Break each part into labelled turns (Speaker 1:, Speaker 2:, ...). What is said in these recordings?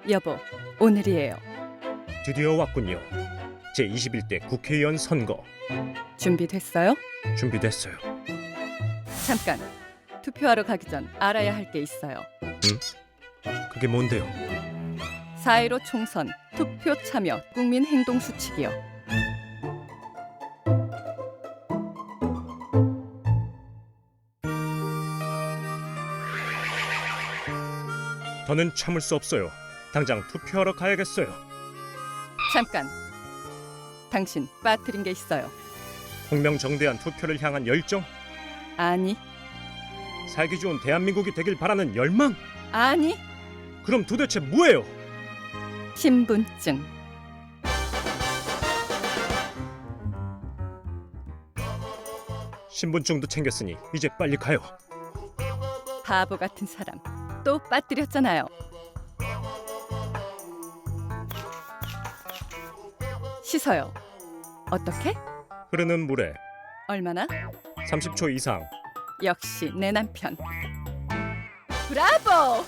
Speaker 1: 여보, 오늘이에요.
Speaker 2: 드디어 왔군요. 제21대 국회의원 선거
Speaker 1: 준비됐어요?
Speaker 2: 준비됐어요.
Speaker 1: 잠깐. 투표하러 가기 전 알아야 할 게 있어요.
Speaker 2: 그게 뭔데요?
Speaker 1: 4.15 총선 투표 참여 국민 행동 수칙이요.
Speaker 2: 더는 참을 수 없어요. 당장 투표하러 가야겠어요.
Speaker 1: 잠깐. 당신 빠뜨린 게 있어요.
Speaker 2: 공명정대한 투표를 향한 열정,
Speaker 1: 아니,
Speaker 2: 살기 좋은 대한민국이 되길 바라는 열망.
Speaker 1: 아니.
Speaker 2: 그럼 도대체 뭐예요?
Speaker 1: 신분증.
Speaker 2: 신분증도 챙겼으니 이제 빨리 가요.
Speaker 1: 바보 같은 사람. 또 빠뜨렸잖아요. 씻어요. 어떻게?
Speaker 2: 흐르는 물에
Speaker 1: 얼마나?
Speaker 2: 30초 이상.
Speaker 1: 역시 내 남편. 브라보!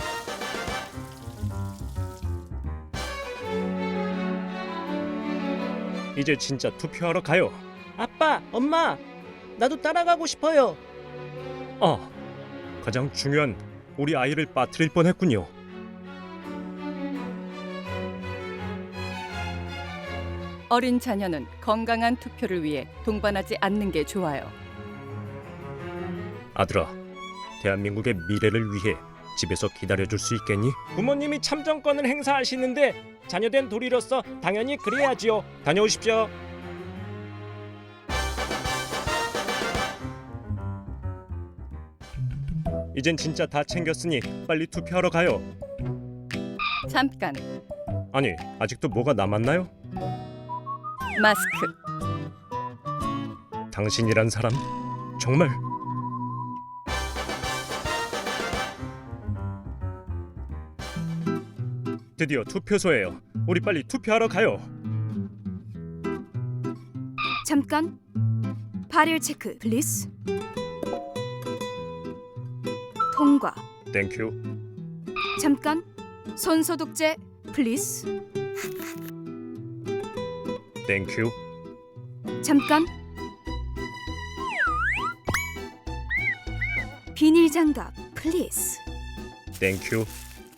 Speaker 2: 이제 진짜 투표하러 가요.
Speaker 3: 아빠, 엄마, 나도 따라가고 싶어요.
Speaker 2: 가장 중요한 우리 아이를 빠뜨릴 뻔했군요.
Speaker 1: 어린 자녀는 건강한 투표를 위해 동반하지 않는 게 좋아요.
Speaker 2: 아들아, 대한민국의 미래를 위해 집에서 기다려줄 수 있겠니?
Speaker 3: 부모님이 참정권을 행사하시는데 자녀된 도리로서 당연히 그래야지요. 다녀오십시오.
Speaker 2: 이젠 진짜 다 챙겼으니 빨리 투표하러 가요.
Speaker 1: 잠깐.
Speaker 2: 아니, 아직도 뭐가 남았나요?
Speaker 1: 마스크.
Speaker 2: 당신이란 사람 정말. 드디어 투표소예요. 우리 빨리 투표하러 가요.
Speaker 4: 잠깐. 발열 체크 플리즈. 통과.
Speaker 2: 땡큐.
Speaker 4: 잠깐. 손 소독제 플리즈.
Speaker 2: 땡큐.
Speaker 4: 잠깐. 비닐 장갑 플리즈.
Speaker 2: 땡큐.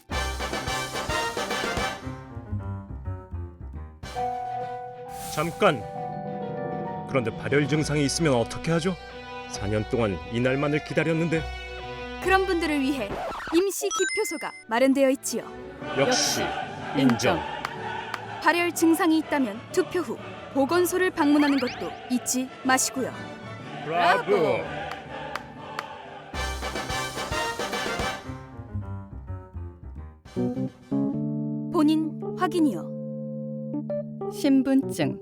Speaker 2: 잠깐. 그런데 발열 증상이 있으면 어떻게 하죠? 4년 동안 이날만을 기다렸는데.
Speaker 4: 그런 분들을 위해 임시 기표소가 마련되어 있지요.
Speaker 2: 역시 인정.
Speaker 4: 발열 증상이 있다면 투표 후 보건소를 방문하는 것도 잊지 마시고요.
Speaker 2: 브라보.
Speaker 4: 본인 확인이요.
Speaker 1: 신분증.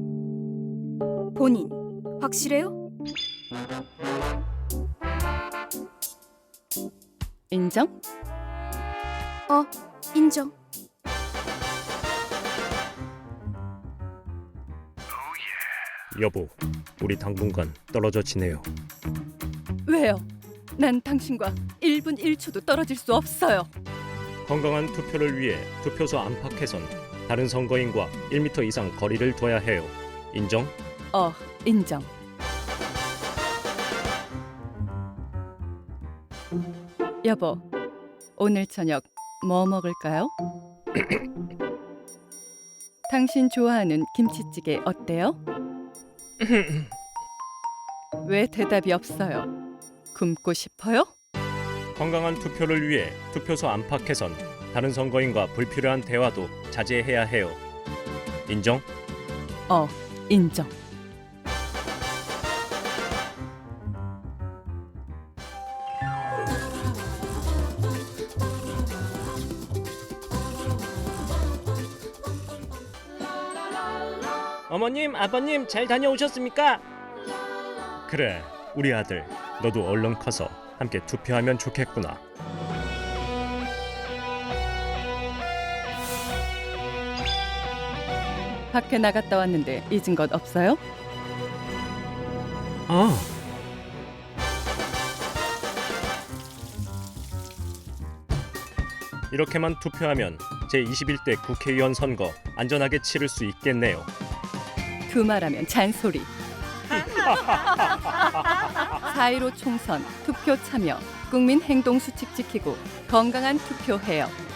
Speaker 4: 본인 확실해요?
Speaker 1: 인정?
Speaker 4: 인정.
Speaker 2: 여보, 우리 당분간 떨어져 지내요.
Speaker 1: 왜요? 난 당신과 1분 1초도 떨어질 수 없어요.
Speaker 2: 건강한 투표를 위해 투표소 안팎에선 다른 선거인과 1m 이상 거리를 둬야 해요. 인정?
Speaker 1: 인정. 여보, 오늘 저녁 뭐 먹을까요? 당신 좋아하는 김치찌개 어때요? 왜 대답이 없어요? 굶고 싶어요?
Speaker 2: 건강한 투표를 위해 투표소 안팎에선 다른 선거인과 불필요한 대화도 자제해야 해요. 인정?
Speaker 1: 인정.
Speaker 3: 어머님, 아버님 잘 다녀오셨습니까?
Speaker 2: 그래, 우리 아들, 너도 얼른 커서 함께 투표하면 좋겠구나.
Speaker 1: 밖에 나갔다 왔는데 잊은 것 없어요?
Speaker 2: 이렇게만 투표하면 제21대 국회의원 선거 안전하게 치를 수 있겠네요.
Speaker 1: 두말하면 잔소리. 4.15 총선 투표 참여, 국민 행동 수칙 지키고 건강한 투표해요.